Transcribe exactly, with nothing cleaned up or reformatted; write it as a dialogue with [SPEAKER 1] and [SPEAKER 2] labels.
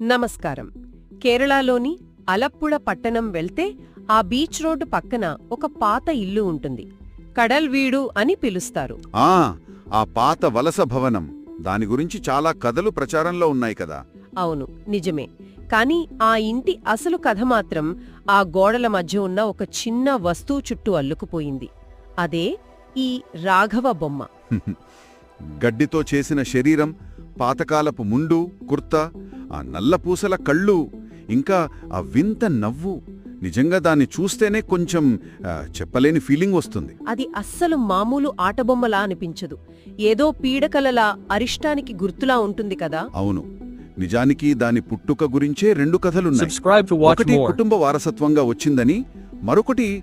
[SPEAKER 1] నమస్కారం. కేరళలోని అలప్పుళ పట్టణం వెళ్తే ఆ బీచ్ రోడ్డు పక్కన ఒక పాత ఇల్లు ఉంటుంది. కడల్వీడు అని పిలుస్తారు.
[SPEAKER 2] ఆ ఆ పాత వలస భవనం, దాని గురించి చాలా కథలు ప్రచారంలో ఉన్నాయి కదా.
[SPEAKER 1] అవును, నిజమే. కాని ఆ ఇంటి అసలు కథ మాత్రం ఆ గోడల మధ్య ఉన్న ఒక చిన్న వస్తువు చుట్టూ అల్లుకుపోయింది. అదే ఈ రాఘవ బొమ్మ.
[SPEAKER 2] గడ్డితో చేసిన శరీరం, పాతకాలపు ముండు, కుర్తా, ఆ నల్లపూసల కళ్ళు, ఇంకా ఆ వింత నవ్వు. నిజంగా దాన్ని చూస్తేనే కొంచెం ఆ, చెప్పలేని ఫీలింగ్ వస్తుంది.
[SPEAKER 1] అది అస్సలు మామూలు ఆటబొమ్మలా అనిపించదు. ఏదో పీడకలలా, అరిష్టానికి గుర్తులా ఉంటుంది కదా.
[SPEAKER 2] అవును, నిజానికి దాని పుట్టుక గురించే రెండు కథలున్నాయి.
[SPEAKER 3] Subscribe to watch
[SPEAKER 2] ఒకటి
[SPEAKER 3] more.
[SPEAKER 2] కుటుంబ వారసత్వంగా వచ్చిందని, మరొకటి